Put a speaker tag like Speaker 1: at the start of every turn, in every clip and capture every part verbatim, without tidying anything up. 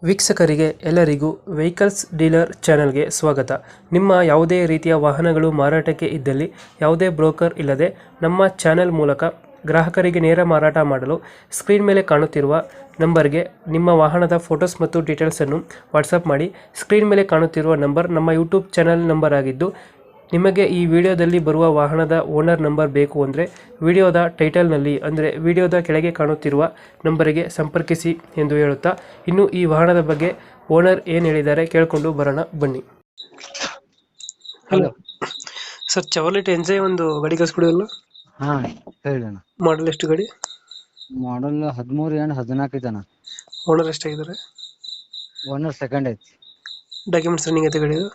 Speaker 1: ವೀಕ್ಷಕರಿಗೆ ಎಲ್ಲರಿಗೂ vehicles dealer ಚಾನೆಲ್ಗೆ ಸ್ವಾಗತ. ನಿಮ್ಮ ಯಾವುದೇ ರೀತಿಯ ವಾಹನಗಳು ಮಾರಾಟಕ್ಕೆ ಇದ್ದಲ್ಲಿ ಯಾವುದೇ ಬ್ರೋಕರ್ ಇಲ್ಲದೆ ನಮ್ಮ ಚಾನೆಲ್ ಮೂಲಕ ಗ್ರಾಹಕರಿಗೆ ನೇರ ಮಾರಾಟ ಮಾಡಲು ಸ್ಕ್ರೀನ್ ಮೇಲೆ ಕಾಣುತ್ತಿರುವ ನಂಬರ್ಗೆ ನಿಮ್ಮ ವಾಹನದ ಫೋಟೋಸ್ ಮತ್ತು ಡೀಟೇಲ್ಸನ್ನು ವಾಟ್ಸಪ್ ಮಾಡಿ. ಸ್ಕ್ರೀನ್ ಮೇಲೆ ಕಾಣುತ್ತಿರುವ ನಂಬರ್ ನಮ್ಮ ಯೂಟ್ಯೂಬ್ ಚಾನೆಲ್ ನಂಬರ್ ಆಗಿದ್ದು, ನಿಮಗೆ ಈ ವಿಡಿಯೋದಲ್ಲಿ ಬರುವ ವಾಹನದ ಓನರ್ ನಂಬರ್ ಬೇಕು ಅಂದರೆ ವಿಡಿಯೋದ ಟೈಟಲ್ನಲ್ಲಿ ಅಂದರೆ ವಿಡಿಯೋದ ಕೆಳಗೆ ಕಾಣುತ್ತಿರುವ ನಂಬರಿಗೆ ಸಂಪರ್ಕಿಸಿ ಎಂದು ಹೇಳುತ್ತಾ, ಇನ್ನು ಈ ವಾಹನದ ಬಗ್ಗೆ ಓನರ್ ಏನು ಹೇಳಿದ್ದಾರೆ ಕೇಳಿಕೊಂಡು ಬರೋಣ ಬನ್ನಿ. ಹಲೋ ಸರ್, ಚವಲೆಟ್ ಎಂಜೆ ಒಂದು ಗಾಡಿ ಕಳಿಸ್ಕೊಡಿರಲ್ಲ.
Speaker 2: ಹಾ ಹೇಳಣ್ಣ.
Speaker 1: ಮಾಡಲ್ ಎಷ್ಟು ಗಾಡಿ?
Speaker 2: ಮಾಡಲ್ ಹದಿಮೂರು ಏನು ಹದಿನಾಲ್ಕು ಐತಣ್ಣ.
Speaker 1: ಓನರ್ ಎಷ್ಟಾಗಿದ್ದಾರೆ?
Speaker 2: ಓನರ್ ಸೆಕೆಂಡ್ ಐತಿ.
Speaker 1: ಡಾಕ್ಯುಮೆಂಟ್ಸ್ ರನ್ನಿಂಗ್ ಐತೆ ಗಾಡಿದು?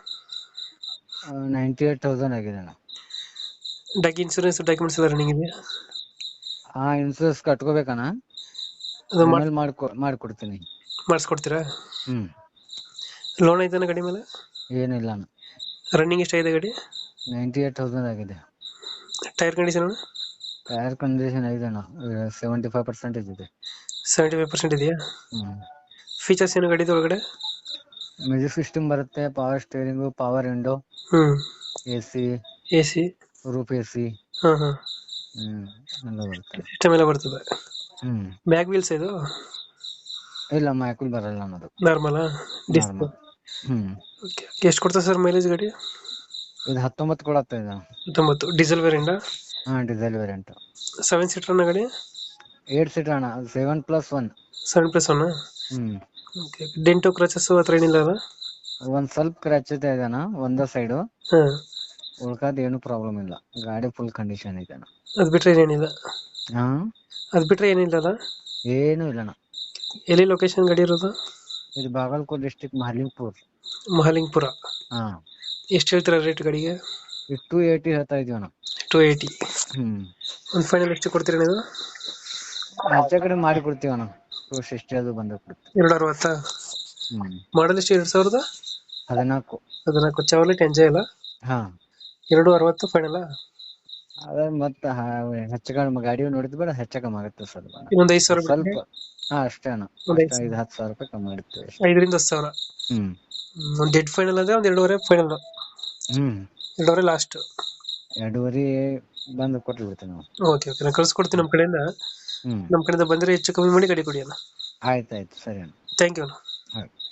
Speaker 2: ನೈಂಟಿ ಏಟ್ ತೌಸಂಡ್ ಆಗಿದೆ ಅಣ್ಣ.
Speaker 1: ಡಾಕ್ ಇನ್ಸೂರೆನ್ಸ್ ಡಾಕ್ಯುಮೆಂಟ್ಸ್ ಎಲ್ಲ ರನ್ನಿಂಗ್ ಇದೆಯಾ?
Speaker 2: ಹಾ ಇನ್ಸೂರೆನ್ಸ್ ಕಟ್ಕೋಬೇಕಣ್ಣ.
Speaker 1: ಅದು
Speaker 2: ಆಮೇಲೆ ಮಾಡ್ಕೊ ಮಾಡ್ಕೊಡ್ತೀನಿ.
Speaker 1: ಮಾಡಿಸ್ಕೊಡ್ತೀರಾ?
Speaker 2: ಹ್ಮ್
Speaker 1: ಲೋನ್ ಐತಾನ ಗಾಡಿ ಮೇಲೆ?
Speaker 2: ಏನಿಲ್ಲ ಅಣ್ಣ.
Speaker 1: ರನ್ನಿಂಗ್ ಎಷ್ಟಾಗಿದೆ ಗಾಡಿ?
Speaker 2: ನೈಂಟಿ ಏಟ್ ತೌಸಂಡ್ ಆಗಿದೆ.
Speaker 1: Tyre condition?
Speaker 2: ಟೈರ್ ಕಂಡೀಷನ್ ಐತೆ ಅಣ್ಣ, ಸೆವೆಂಟಿ ಫೈವ್ ಪರ್ಸೆಂಟೇಜ್ ಇದೆ.
Speaker 1: ಸೆವೆಂಟಿ ಫೈವ್ ಪರ್ಸೆಂಟ್ ಇದೆಯಾ?
Speaker 2: ಹ್ಮ್
Speaker 1: ಫೀಚರ್ಸ್ ಏನು ಗಾಡಿದು ಒಳಗಡೆ?
Speaker 2: ಮ್ಯೂಸಿಕ್ ಸಿಸ್ಟಮ್ ಬರುತ್ತೆ, power steering, power window,
Speaker 1: hmm
Speaker 2: A C,
Speaker 1: A C,
Speaker 2: roof A C,
Speaker 1: ಹಾಂ ಹಾಂ,
Speaker 2: ಹ್ಮ್ ಎಲ್ಲ ಬರುತ್ತೆ.
Speaker 1: ಸಿಸ್ಟಮ್ ಎಲ್ಲ ಬರ್ತದೆ.
Speaker 2: ಹ್ಮ್
Speaker 1: ಬ್ಯಾಕ್ ವೀಲ್ಸ್ ಇದು
Speaker 2: ಇಲ್ಲ ಮ್ಯಾಕುಲ್ ಬರಲ್ಲ ಅನ್ನೋದು,
Speaker 1: ನಾರ್ಮಲಾ ಡಿಸ್ಕ್?
Speaker 2: ನಾರ್ಮಲ್. Hmm
Speaker 1: okay. ಎಷ್ಟು ಕೊಡ್ತದೆ ಸರ್ ಮೈಲೇಜ್ ಗಾಡಿ?
Speaker 2: ಇದು ಹತ್ತೊಂಬತ್ತು ಕೊಡತ್ತೆ ಇದು.
Speaker 1: ಹತ್ತೊಂಬತ್ತು. Diesel variant?
Speaker 2: ಹಾ ಡೀಸೆಲ್ ವೇರಿಯಂಟ್.
Speaker 1: ಸೆವೆನ್ ಸೀಟರ್ನ ಗಾಡಿ?
Speaker 2: ಏಟ್ ಸೀಟರ್ ಅಣ್ಣ, seven plus one.
Speaker 1: Seven plus one?
Speaker 2: Hmm
Speaker 1: okay. Dent scratches ಹತ್ರ ಏನಿಲ್ಲ ಅಲ್ಲ?
Speaker 2: ಒಂದ್ ಸ್ವಲ್ಪ ಕ್ರ್ಯಾಚ್ ಇದೆ ಅಣ್ಣ ಒಂದ ಸೈಡು,
Speaker 1: ಹಾಂ.
Speaker 2: ಉಳ್ಕಾದ ಏನು ಪ್ರಾಬ್ಲಮ್ ಇಲ್ಲ. ಗಾಡಿ ಫುಲ್ ಕಂಡೀಷನ್ ಇದೆ ಅಣ್ಣ.
Speaker 1: ಅದು ಬಿಟ್ರೆ ಏನಿಲ್ಲ?
Speaker 2: ಹಾ
Speaker 1: ಅದು ಬಿಟ್ರೆ ಏನಿಲ್ಲ ಅಲ್ಲ?
Speaker 2: ಏನು ಇಲ್ಲ ಅಣ್ಣ.
Speaker 1: ಎಲ್ಲಿ ಲೊಕೇಶನ್ ಗಾಡಿ ಇರೋದು?
Speaker 2: ಇದು ಬಾಗಲಕೋಟ್ ಡಿಸ್ಟಿಕ್ ಮಹಾಲಿಂಗಪುರ್.
Speaker 1: ಮಹಾಲಿಂಗಪುರ.
Speaker 2: ಹಾ
Speaker 1: ಎಷ್ಟು ಹೇಳ್ತೀರಾ ರೇಟ್ ಗಾಡಿಗೆ?
Speaker 2: ಇದು ಟೂ ಏಯ್ಟಿ ಹೇಳ್ತಾ ಇದೀವಿ ಅಣ್ಣ.
Speaker 1: To eighty.
Speaker 2: ಹ್ಮ್
Speaker 1: ಒಂದು ಫೈನಲ್ ಎಷ್ಟು ಕೊಡ್ತೀರಾ ನೀವು?
Speaker 2: ಆಚೆ ಕಡೆ ಮಾಡಿ ಕೊಡ್ತೀವಿ ಅಣ್ಣ, ಟೂ ಸಿಕ್ಸ್ಟಿ ಅದು ಬಂದ ಕೊಡ್ತೀವಿ.
Speaker 1: ಎರಡು ಅರವತ್ತಾ?
Speaker 2: ಹ್ಮ್
Speaker 1: ಮಾಡಲ್ ಎಷ್ಟು? ಎರಡು ಸಾವಿರದ
Speaker 2: ಹದಿನಾಲ್ಕು.
Speaker 1: ಹದಿನಾಲ್ಕು. ಚಾವ್ಲೆಟ್ ಎಂಜಾಯ್ ಅಲ್ಲ?
Speaker 2: ಹಾ
Speaker 1: ಎರಡು ಅರವತ್ತು ಫೈನಲ್?
Speaker 2: ಅದ ಮತ್ತ ಹೆಚ್ಚ ಕಡಿಮೆ ಗಾಡಿ ನೋಡಿದ್ ಬೇಡ, ಹೆಚ್ಚ ಕಮ್ಮಿ ಆಗುತ್ತೆ ಸರ್.
Speaker 1: ಇನ್ನೊಂದು ಐದು ಸಾವಿರ
Speaker 2: ಸ್ವಲ್ಪ
Speaker 1: ಬಿಟ್ರೆ?
Speaker 2: ಹಾ ಅಷ್ಟೇ ಅಣ್ಣ,
Speaker 1: ಒಂದು
Speaker 2: ಅಷ್ಟೇ ಐದು ಹತ್ತು ಸಾವಿರ ರೂಪಾಯಿ ಕಮ್ಮಿ ಇಡ್ತೀವಿ ಅಷ್ಟೇ.
Speaker 1: ಐದರಿಂದ ಹತ್ತು ಸಾವಿರ.
Speaker 2: ಹ್ಮ್
Speaker 1: ಒಂದು ಡೆಡ್ ಫೈನಲ್ ಅಂದ್ರೆ ಒಂದು ಎರಡೂವರೆ ಫೈನಲ್?
Speaker 2: ಹ್ಮ್
Speaker 1: ಎರಡೂವರೆ ಲಾಸ್ಟ್?
Speaker 2: ಎರಡೂವರೆ ಬಂದು ಕೊಟ್ಟು ಬಿಡ್ತೀವಿ ನಾವು.
Speaker 1: ಓಕೆ ಓಕೆ, ನಾನು ಕಳ್ಸ್ಕೊಡ್ತೀನಿ ನಮ್ಮ ಕಡೆಯಿಂದ.
Speaker 2: ಹ್ಮ್
Speaker 1: ನಮ್ಮ ಕಡೆಯಿಂದ ಬಂದರೆ ಹೆಚ್ಚು ಕಮ್ಮಿ ಮಾಡಿ ಗಾಡಿ ಕೊಡಿ ಅಣ್ಣ.
Speaker 2: ಆಯ್ತಾಯ್ತು, ಸರಿ ಅಣ್ಣ.
Speaker 1: ಥ್ಯಾಂಕ್ ಯು ಅಣ್ಣ.
Speaker 2: ಆಯ್ತು.